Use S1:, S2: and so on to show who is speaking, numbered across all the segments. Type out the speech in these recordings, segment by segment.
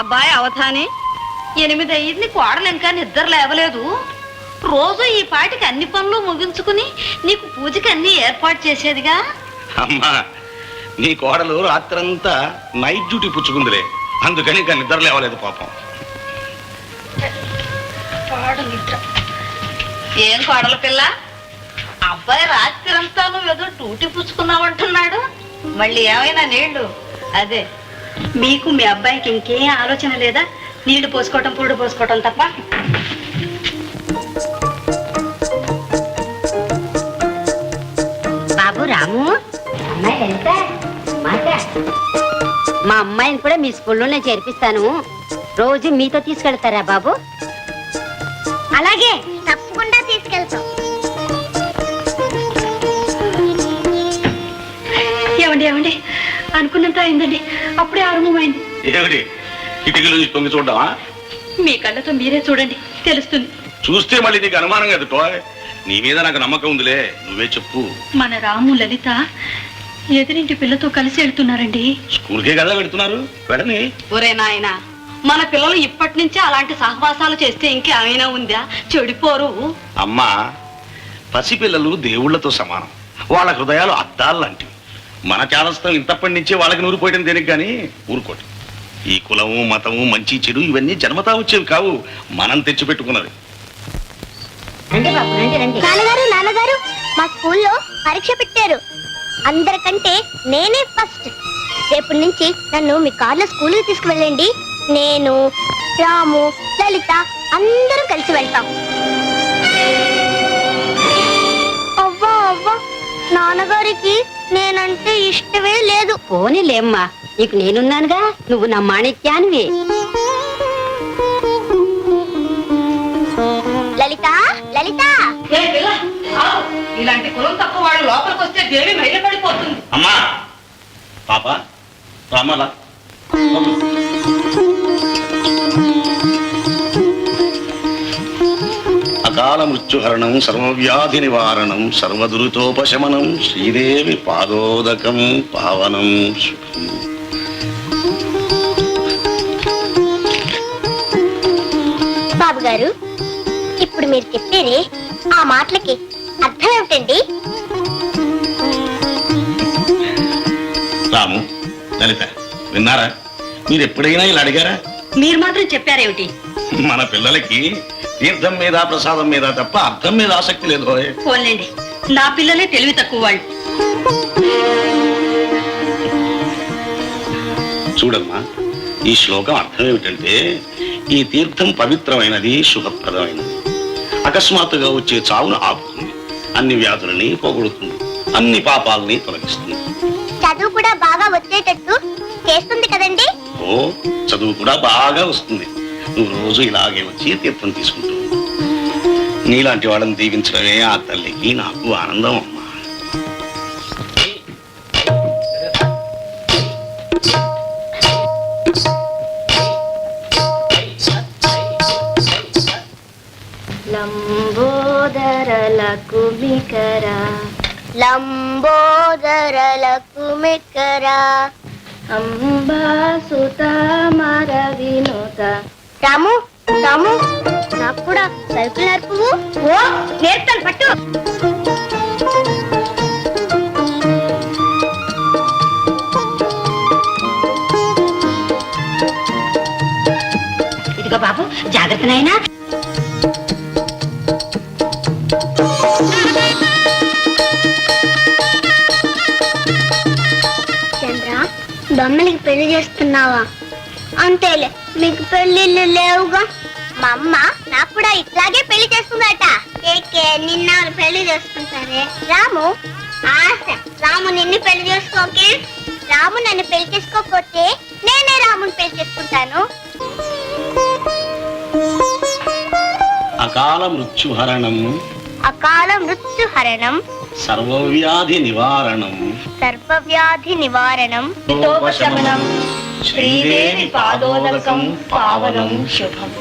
S1: అబ్బాయి అవధాని 8 అయ్యింది, కోడలు ఇంకా నిద్ర లేవలేదు. రోజు ఈ పాటికి అన్ని పనులు ముగించుకుని నీకు పూజకి అన్ని ఏర్పాటు చేసేదిగా.
S2: అమ్మా, నీ కోడలు రాత్రంతా నైట్ డ్యూటీ పుచ్చుకుందిలే, అందుకని ఇంకా నిద్ర లేవలేదు పాపం.
S1: ఏం కోడల పిల్ల, అబ్బాయి రాత్రంతా నువ్వేదో డ్యూటీ పుచ్చుకున్నావంటున్నాడు. మళ్ళీ ఏమైనా నీళ్లు? అదే
S3: మీకు మీ అబ్బాయికి ఇంకేం ఆలోచన లేదా? నీళ్లు పోసుకోవటం, పురుడు పోసుకోవటం తప్ప.
S4: బాబు రాము, అమ్మాయి మా అమ్మాయిని కూడా మీ స్కూల్లోనే చేర్పిస్తాను. రోజు మీతో తీసుకెళ్తారా బాబు?
S5: అలాగే, తప్పకుండా తీసుకెళ్తాం.
S3: ఏమండి ఏమండి, అనుకున్నంత అయిందండి, అప్పుడే ఆరంభమైంది.
S2: ఏమిటి కిటికీల నుంచి తొంగి చూడమా?
S3: మీ కళ్ళతో మీరే చూడండి, తెలుస్తుంది.
S2: చూస్తే మళ్ళీ నీకు అనుమానం కదా టోయ్. నీ మీద నాకు నమ్మకం ఉందిలే, నువ్వే చెప్పు.
S3: మన రాము లలిత ఎదురింటి పిల్లతో కలిసి వెళ్తున్నారండి.
S2: స్కూల్కే కదా వెళ్తున్నారు, వెళ్ళని.
S1: ఒరే నాయనా, మన పిల్లలు ఇప్పటి నుంచే అలాంటి సహవాసాలు చేస్తే ఇంకేమైనా ఉందా? చెడిపోరు.
S2: అమ్మా, పసిపిల్లలు దేవుళ్లతో సమానం, వాళ్ళ హృదయాలు అద్దాలు లాంటివి. మన చాలస్తం ఇంతప్పటి నుంచే వాళ్ళకి నూరిపోయడం దేనికి కానీ ఊరుకోటి. ఈ కులము, మతము, మంచి చెడు ఇవన్నీ జన్మతా వచ్చేవి కావు, మనం తెచ్చిపెట్టుకున్నది.
S5: నాన్నగారు నాన్నగారు, మా స్కూల్లో పరీక్ష పెట్టారు. అందరికంటే నేనే ఫస్ట్. రేపటి నుంచి నన్ను మీ కార్లో స్కూల్కి తీసుకువెళ్ళండి. నేను, రాము, లలిత అందరం కలిసి వెళ్తాం. అవ్వా అవ్వా, నాన్నగారికి నేనంటే ఇష్టమే లేదు.
S4: పోనీలేమ్మా, నీకు నేనున్నానుగా, నువ్వు నా మాణిక్యానివి.
S5: లలిత లలిత,
S1: ఇలాంటి కులం తక్కువ వాళ్ళు లోపలికి వస్తే దేవి మైల పడిపోతుంది.
S2: అమ్మా, పాప రామలా, అకాల మృత్యుహరణం, సర్వవ్యాధి నివారణం, సర్వదురితోపశమనం, శ్రీదేవి పాదోదకం పావనం శుభం.
S5: బాబు గారు, ఇప్పుడు మీరు చెప్పేది ఆ మాటలకి అర్థం ఏమిటండి?
S2: రాము, లలిత విన్నారా? మీరు ఎప్పుడైనా ఇలా అడిగారా?
S3: మీరు మాత్రం చెప్పారేమిటి?
S2: మన పిల్లలకి తీర్థం మీద, ప్రసాదం మీద తప్ప అర్థం మీద ఆసక్తి లేదు.
S3: పోన్లేండి, నా పిల్లలే తెలివి తక్కువ వాళ్ళు.
S2: చూడమ్మా, ఈ శ్లోకం అర్థం ఏమిటంటే, ఈ తీర్థం పవిత్రమైనది, శుభప్రదమైనది. అకస్మాత్తుగా వచ్చే చావును ఆపుతుంది, అన్ని వ్యాధులని పోగొడుతుంది, అన్ని పాపాలని తొలగిస్తుంది.
S5: చదువు కూడా బాగా వచ్చేటట్టు చేస్తుంది కదండి?
S2: ఓ, చదువు కూడా బాగా వస్తుంది. నువ్వు రోజు ఇలాగే వచ్చి తీర్థం తీసుకుంటూ నీలాంటి వాళ్ళని దీవించడమే ఆ తల్లికి నాకు ఆనందం అమ్మా.
S5: లంబోదరలకుమికరా
S4: అంబాసుత మర వినోద.
S5: రాము రాము, నాకు కూడా సరుకులు నేర్పువు.
S4: ఓ, నేర్తాను, పట్టు. ఇదిగో బాబు, జాగ్రత్త నాయనా.
S5: చంద్ర, బొమ్మలకి పెళ్లి చేస్తున్నావా? అంతేలే, మీకు పెళ్లిళ్ళు లేవుగా. మా అమ్మ నాకు కూడా ఇట్లాగే పెళ్లి చేస్తుందట. ఏకే, నిన్న పెళ్లి చేసుకుంటారే. రాము ఆశ, రాము నిన్ను పెళ్లి చేసుకోకే. రాము నన్ను పెళ్లి చేసుకోకపోతే నేనే రాముని పెళ్లి చేసుకుంటాను.
S2: అకాల మృత్యుహరణం,
S5: అకాల మృత్యుహరణం,
S2: సర్వవ్యాధి నివారణం,
S5: సర్వవ్యాధి నివారణం,
S2: ఉపశమనం, శ్రీదేవి పాదోదకం పావనం శుభం.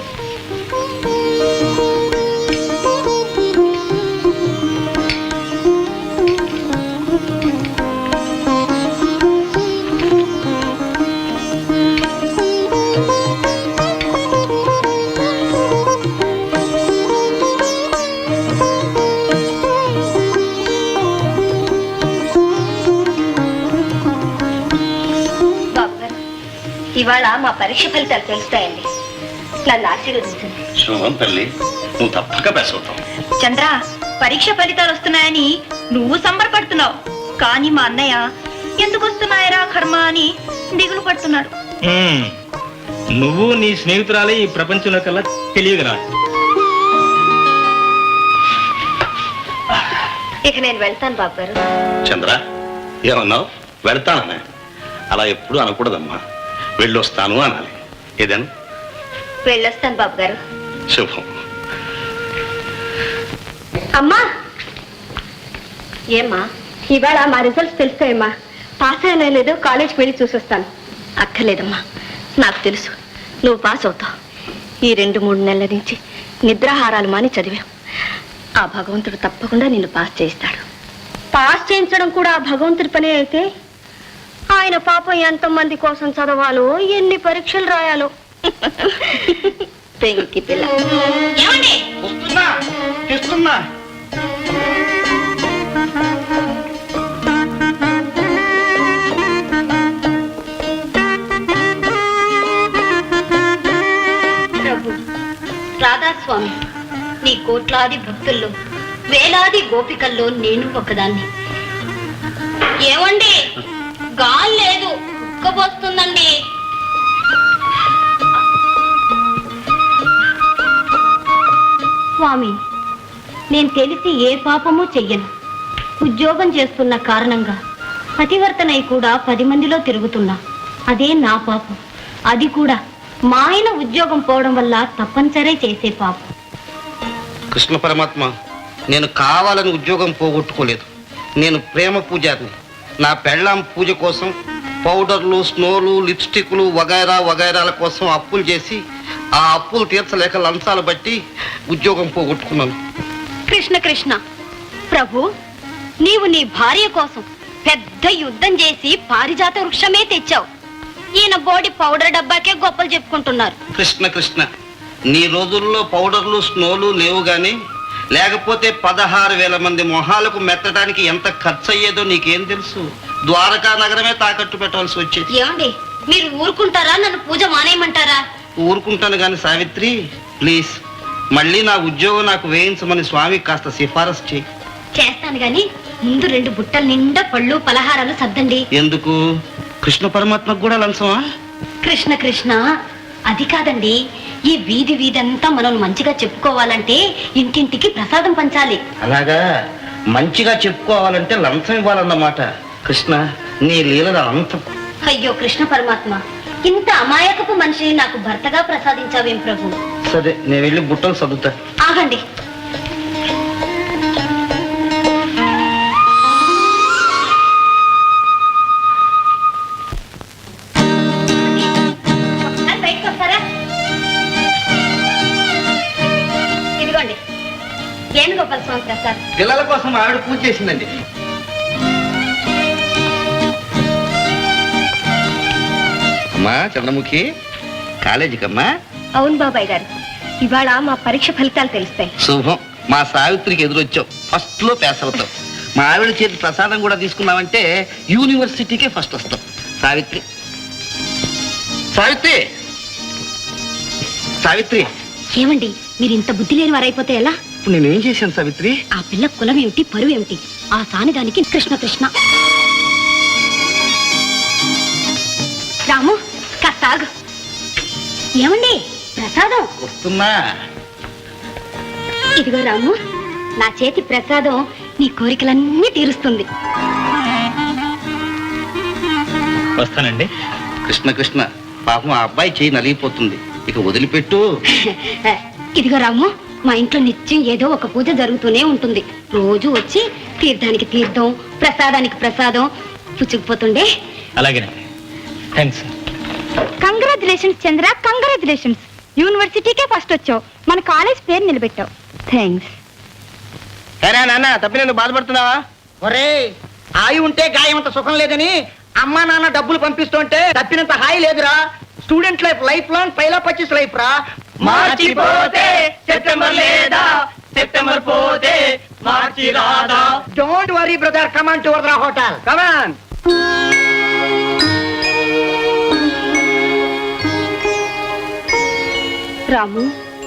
S3: ఇవాళ మా పరీక్ష ఫలితాలు తెలుస్తాయండి. నన్ను ఆశీర్వదించండి.
S2: శుభం తల్లి, నువ్వు తప్పక పాస్ అవుతావు.
S3: చంద్ర, పరీక్ష ఫలితాలు వస్తున్నాయని నువ్వు సంబరపడుతున్నావు, కానీ మా అన్నయ్య ఎందుకు వస్తున్నాయరా కర్మ అని దిగులు పడుతున్నాడు.
S6: నువ్వు నీ స్నేహితురాలే ఈ ప్రపంచంలో కల్లా తెలియగలరా?
S3: ఇక నేను వెళ్తాను బాబు గారు.
S2: చంద్ర, ఏమన్నావు? వెళ్తాననే? అలా ఎప్పుడు అనకూడదమ్మా. వెళ్ళొస్తాను అనాలి. ఏదేనా?
S3: వెళ్ళొస్తాను బాబు గారు.
S2: శుభం.
S3: అమ్మా, ఏమ్మా ఇవాళ మా రిజల్ట్స్ తెలుస్తాయమ్మా. పాస్ అయినా లేదో కాలేజ్కి వెళ్ళి చూసొస్తాను. అక్కర్లేదమ్మా, నాకు తెలుసు నువ్వు పాస్ అవుతావు. ఈ 2-3 నెలల నుంచి నిద్రాహారాలు మాని చదివావు. ఆ భగవంతుడు తప్పకుండా నిన్ను పాస్ చేయిస్తాడు. పాస్ చేయించడం కూడా ఆ భగవంతుడి పనే అయితే ఆయన పాపం ఎంతమంది కోసం చదవాలో, ఎన్ని పరీక్షలు రాయాలో. పెంకి పిల్ల. ఏమండి? ప్రభు రాధాస్వామి, నీ కోట్లాది భక్తుల్లో, వేలాది గోపికల్లో నేను ఒకదాన్ని. ఏమండి? గాలి లేదు, ఉక్కబోస్తుందండి. స్వామి, నేను తెలిసి ఏ పాపమూ చెయ్యను. ఉద్యోగం చేస్తున్న కారణంగా పతివర్తనై కూడా 10 మందిలో తిరుగుతున్నా. అదే నా పాపం. అది కూడా మా ఆయన ఉద్యోగం పోవడం వల్ల తప్పనిసరి చేసే పాపం.
S7: కృష్ణ పరమాత్మ, నేను కావాలని ఉద్యోగం పోగొట్టుకోలేదు. నేను ప్రేమ పూజారిని. నా పెళ్ళాం పూజ కోసం పౌడర్లు, స్నోలు, లిప్స్టిక్లు వగైరా వగైరాల కోసం అప్పులు చేసి ఆ అప్పులు తీర్చలేక లంచాలు బట్టి ఉద్యోగం పోగొట్టుకున్నాను.
S3: కృష్ణ కృష్ణ, ప్రభు నీవు నీ భార్య కోసం పెద్ద యుద్ధం చేసి పారిజాత వృక్షమే తెచ్చావు. ఈయన బోడి పౌడర్ డబ్బాకే గొప్పలు చెప్పుకుంటున్నారు.
S7: కృష్ణ కృష్ణ, నీ రోజుల్లో పౌడర్లు, స్నోలు లేవు గాని లేకపోతే 16,000 మంది మొహాలకు మెత్తడానికి ఎంత ఖర్చు అయ్యేదో నీకేం తెలుసు? ద్వారకా నగరమే తాకట్టు పెట్టాల్సి వచ్చేది.
S3: ఏమండి, మీరు ఊరుకుంటారా? నన్ను పూజ మానేయమంటారా?
S7: ఊరుకుంటాను గాని సావిత్రి, ప్లీజ్ మళ్ళీ నా ఉద్యోగం నాకు వేయించమని స్వామికి కాస్త సిఫారసు చేయి.
S3: చేస్తాను గాని ముందు 2 బుట్టల నిండా పళ్ళు పలహారాలు సర్దండి.
S7: ఎందుకు? కృష్ణ పరమాత్మకు కూడా లంచమా?
S3: కృష్ణ కృష్ణ, అది కాదండి. ఈ వీధి వీధంతా మనం మంచిగా చెప్పుకోవాలంటే ఇంటింటికి ప్రసాదం పంచాలి.
S7: అలాగా? మంచిగా చెప్పుకోవాలంటే లంచం ఇవ్వాలన్నమాట. కృష్ణ, నీ లీలల అంతం.
S3: అయ్యో కృష్ణ పరమాత్మ, ఇంత అమాయకపు మనిషిని నాకు భర్తగా ప్రసాదించావేం ప్రభు.
S7: సరే, నేను వెళ్ళి బుట్టలు చదువుతా.
S3: ఆగండి. బయటకు వస్తారా? ఇదిగోండి వేణుగోపాల స్వామి ప్రసాద్.
S7: పిల్లల కోసం ఆవిడ పూజ చేసిందండి. అమ్మా చంద్రముఖి, కాలేజీకమ్మా?
S3: అవును బాబాయ్ గారు, ఇవాళ మా పరీక్ష ఫలితాలు తెలుస్తాయి.
S7: శుభం. మా సావిత్రికి ఎదురొచ్చావు. ఫస్ట్ లో పాస్ అవుతావు. మా ఆవిడ చేతి ప్రసాదం కూడా తీసుకున్నావంటే యూనివర్సిటీకే ఫస్ట్ వస్తావు. సావిత్రి, సావిత్రి, సావిత్రి.
S3: ఏమండి, మీరు ఇంత బుద్ధి లేని వారైపోతే ఎలా?
S7: ఇప్పుడు నేనేం చేశాను సావిత్రి?
S3: ఆ పిల్ల కులం ఏమిటి, పరువు ఏమిటి? ఆ సానిదానికి కృష్ణ కృష్ణ. రాము, కాస్త ఆగు. ఏమండి, ప్రసాదం
S7: వస్తున్నా.
S3: ఇదిగో రాము, నా చేతి ప్రసాదం నీ కోరికలన్నీ తీరుస్తుంది.
S6: వస్తానండి.
S7: కృష్ణ కృష్ణ, పాపం ఆ అబ్బాయి చేయి నలిగిపోతుంది, ఇక వదిలిపెట్టు.
S3: ఇదిగో రాము, మా ఇంట్లో నిత్యం ఏదో ఒక పూజ జరుగుతూనే ఉంటుంది. రోజు వచ్చి తీర్థానికి తీర్థం, ప్రసాదానికి ప్రసాదం పుచ్చుకుపోతుండే.
S6: అలాగేనండి. థ్యాంక్స్.
S3: Congratulations Chandra, congratulations. యూనివర్సిటీకే ఫస్ట్ వచ్చావు, మన కాలేజ్ పేరు నిలబెట్టావు. థ్యాంక్స్.
S8: సరే నాన్న, తప్పి బాధపడుతున్నావా? ఒరే, ఆయి ఉంటే గాయమంత సుఖం లేదని అమ్మా నాన్న డబ్బులు పంపిస్తుంటే తప్పినంత హాయి లేదురా. స్టూడెంట్ లైఫ్ లైఫ్ లాంగ్ పైలా 25 లైఫ్ రా. మార్చిపోతే సెప్టెంబర్ లేదా, సెప్టెంబర్ పోతే మార్చి రాదా. Don't worry brother, come on to Varada hotel, come on.
S3: Ramu,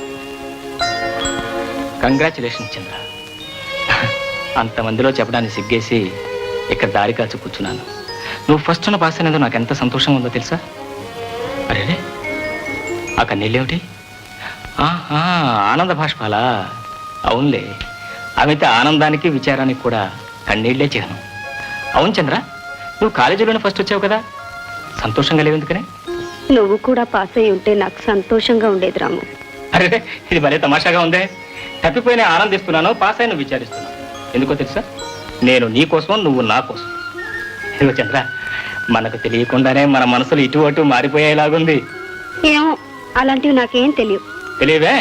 S6: congratulation Chandra. అంతమందిలో చెప్పడానికి సిగ్గేసి ఇక్కడ దారి కాల్చి కూర్చున్నాను. నువ్వు ఫస్ట్ పాస్ అయినందుకు నాకు ఎంత సంతోషంగా ఉందో తెలుసా? అరే ఆ కన్నీళ్ళేమిటి? ఆనంద భాష్పాలా? అవునులే, అమిత ఆనందానికి విచారానికి కూడా కన్నీళ్లే చిహ్నం. అవును చంద్ర, నువ్వు కాలేజీలోనే ఫస్ట్ వచ్చావు కదా, సంతోషంగా లేవు ఎందుకనే?
S3: నువ్వు కూడా పాస్ అయి ఉంటే నాకు సంతోషంగా ఉండేది రాము.
S6: అరే ఇది భలే తమాషాగా ఉందే. తప్పిపోయిన ఆనందిస్తున్నాను, పాస్ అయిన విచారిస్తున్నాను. ఎందుకో తెలుసా? నేను నీ కోసం, నువ్వు నా కోసం. ఇదిగో చంద్ర, మనకు తెలియకుండానే మన మనసులు ఇటు అటు మారిపోయేలాగుంది.
S3: ఏమో, అలాంటివి నాకేం తెలియవు.
S6: తెలియవే?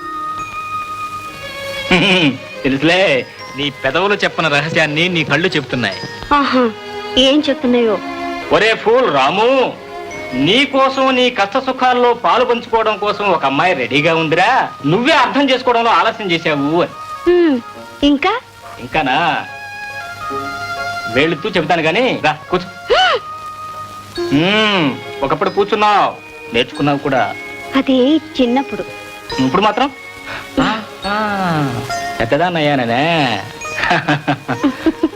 S6: తెలుసులే, నీ పెదవులు చెప్పని రహస్యాన్ని నీ కళ్ళు చెప్తున్నాయి.
S3: ఆహా, ఏం చెప్తున్నాయో?
S6: ఒరే ఫూల్ రాము, నీ కోసం, నీ కష్ట సుఖాల్లో పాలు పంచుకోవడం కోసం ఒక అమ్మాయి రెడీగా ఉందిరా. నువ్వే అర్థం చేసుకోవడంలో ఆలస్యం చేశావు.
S3: ఇంకా
S6: ఇంకానా? వెళుతూ చెబుతాను గాని రా కూర్చో. ఒకప్పుడు కూర్చున్నావు, నేర్చుకున్నావు కూడా.
S3: అది చిన్నప్పుడు.
S6: ఇప్పుడు మాత్రం పెద్దదాన్నయ్యానే.